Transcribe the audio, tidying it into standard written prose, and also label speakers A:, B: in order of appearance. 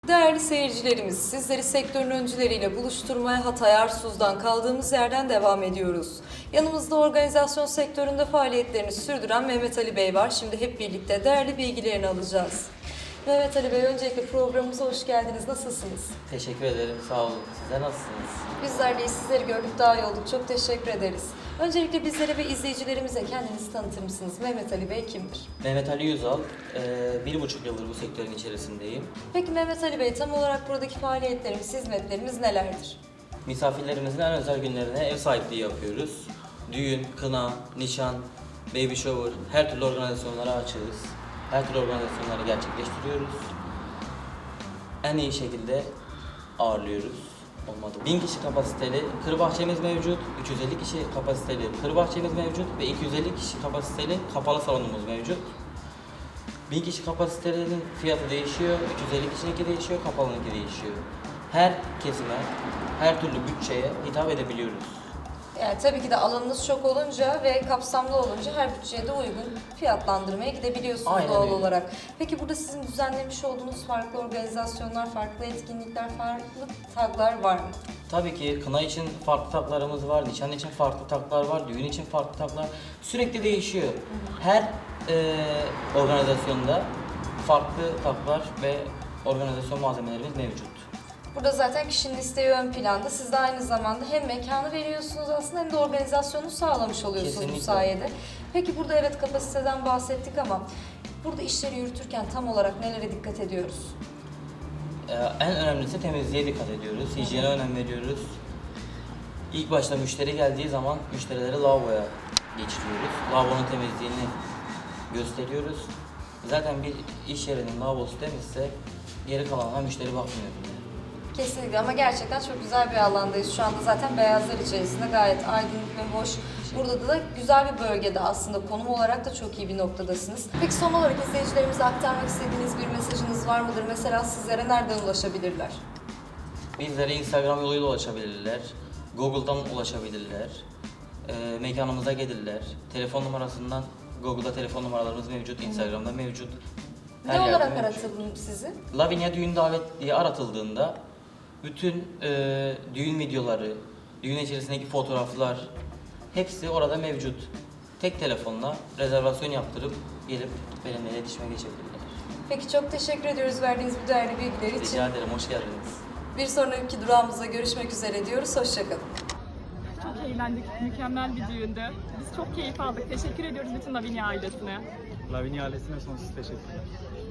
A: Değerli seyircilerimiz, sizleri sektörün öncüleriyle buluşturmaya Hatay Arsuz'dan kaldığımız yerden devam ediyoruz. Yanımızda organizasyon sektöründe faaliyetlerini sürdüren Mehmet Ali Bey var. Şimdi hep birlikte değerli bilgilerini alacağız. Mehmet Ali Bey, öncelikle programımıza hoş geldiniz. Nasılsınız?
B: Teşekkür ederim, sağ olun. Sizler nasılsınız?
A: Bizler de sizleri gördük, daha iyi olduk. Çok teşekkür ederiz. Öncelikle bizlere ve izleyicilerimize kendinizi tanıtır mısınız? Mehmet Ali Bey kimdir?
B: Mehmet Ali Yüzal, 1,5 yıldır bu sektörün içerisindeyim.
A: Peki Mehmet Ali Bey, tam olarak buradaki faaliyetlerimiz, hizmetlerimiz nelerdir?
B: Misafirlerimizin en özel günlerine ev sahipliği yapıyoruz. Düğün, kına, nişan, baby shower, her türlü organizasyonlara açığız. Her türlü organizasyonları gerçekleştiriyoruz. En iyi şekilde ağırlıyoruz. Olmadı. 1000 kişi kapasiteli kır bahçemiz mevcut, 350 kişi kapasiteli kır bahçemiz mevcut ve 250 kişi kapasiteli kapalı salonumuz mevcut. 1000 kişi kapasitelerinin fiyatı değişiyor, 350 kişininki değişiyor, kapalınınki değişiyor. Her kesime, her türlü bütçeye hitap edebiliyoruz.
A: Yani tabii ki de alanınız çok olunca ve kapsamlı olunca her bütçeye de uygun fiyatlandırmaya gidebiliyorsunuz
B: Aynen
A: doğal
B: öyle.
A: olarak. Peki burada sizin düzenlemiş olduğunuz farklı organizasyonlar, farklı etkinlikler, farklı taglar var mı?
B: Tabii ki kına için farklı taklarımız var, nişan için farklı taklar var, düğün için farklı taklar. Sürekli değişiyor. Her organizasyonda farklı taklar ve organizasyon malzemelerimiz mevcut.
A: Burada zaten kişinin isteği ön planda. Siz de aynı zamanda hem mekanı veriyorsunuz aslında hem de organizasyonu sağlamış oluyorsunuz bu
B: Kesinlikle.
A: sayede. Peki burada evet kapasiteden bahsettik ama burada işleri yürütürken tam olarak nelere dikkat ediyoruz?
B: En önemlisi temizliğe dikkat ediyoruz, hijyene önem veriyoruz. İlk başta müşteri geldiği zaman müşterileri lavaboya geçiriyoruz. Lavabonun temizliğini gösteriyoruz. Zaten bir iş yerinin lavabosu temizse geri kalanına müşteri bakmıyor bile.
A: Kesinlikle, ama gerçekten çok güzel bir alandayız. Şu anda zaten beyazlar içerisinde gayet aydınlık ve hoş. Burada da güzel bir bölgede aslında, konum olarak da çok iyi bir noktadasınız. Peki son olarak izleyicilerimize aktarmak istediğiniz bir mesajınız var mıdır? Mesela sizlere nereden ulaşabilirler?
B: Bizlere Instagram yoluyla ulaşabilirler, Google'dan ulaşabilirler, mekanımıza gelirler. Telefon numarasından, Google'da telefon numaralarımız mevcut, Instagram'da mevcut. Her
A: Ne
B: yerde
A: olarak
B: mevcut.
A: aratalım sizi?
B: Lavinia Düğün Davet diye aratıldığında bütün düğün videoları, düğün içerisindeki fotoğraflar hepsi orada mevcut. Tek telefonla rezervasyon yaptırıp gelip benimle iletişime geçebilirler.
A: Peki çok teşekkür ediyoruz verdiğiniz bu değerli bilgiler için.
B: Rica ederim, hoş geldiniz.
A: Bir sonraki durağımızda görüşmek üzere diyoruz. Hoşçakalın.
C: Çok eğlendik. Mükemmel bir düğündü. Biz çok keyif aldık. Teşekkür ediyoruz bütün Lavinia ailesine.
D: Lavinia ailesine sonsuz teşekkürler.